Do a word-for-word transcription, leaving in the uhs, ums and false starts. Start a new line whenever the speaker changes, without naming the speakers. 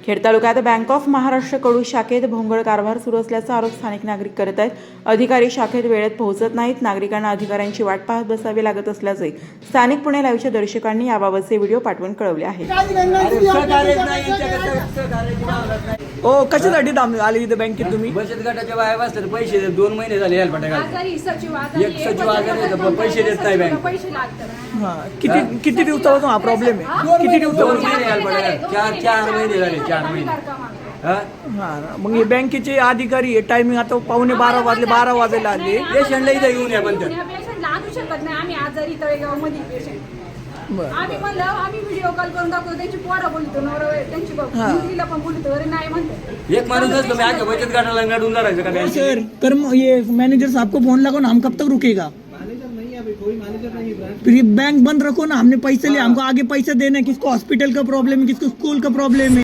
खेड तालुक्यात bank of Maharashtra कडू शाखेत भोंगळ कारभार सुरू असल्याचा आरोप स्थानिक नागरिक करत आहेत. अधिकारी शाखेत वेळेत पोहोचत नाहीत. नागरिकांना अधिकाऱ्यांची वाट पाहत बसावी लागत असल्याचे स्थानिक पुणे लाईव्हच्या दर्शकांनी याबाबतचे व्हिडिओ पाठवून कळवले आहे.
ओ कशासाठी थांब आले इथे बँकेत तुम्ही?
बचत गटाच्या बाया बसतात, पैसे देत. दोन महिने झाले यायला फटाका. एक सचिव आजारी आहे, पैसे देत नाही बँक.
हा किती किती दिवसापासून हा प्रॉब्लेम आहे? किती
दोन
दिवसापासून?
महिने यायला फटाका. चार चार महिने झाले, चार महिने. हा
हा मग हे बँकेचे अधिकारी टायमिंग आता पावणे बारा वाजले, बारा वाजायला आले.
पेशंटला इथं येऊन या म्हणतात.
पेशंटला आणू शकत नाही आम्ही आजारी तळेगाव मध्ये पेशंट.
बरं.
आम्ही म्हणलं आम्ही व्हिडिओ कॉल करून दाखवतो, त्यांची पोरं बोलतो, नवरा त्यांची मुलीला पण बोलतो, अरे नाही म्हणतो.
एक माणूस असतो मी आगे बचत गटाला नडून धरायचं का बँकेत?
सर कर ये मैनेजर साहब को फोन लगाओ ना, हम कब तक रुकेगा? फिर ये बैंक बंद रखो ना, हमने पैसे लिए, हमको आगे पैसे देना है. किसको हॉस्पिटल का प्रॉब्लम है, किसको स्कूल का प्रॉब्लम है.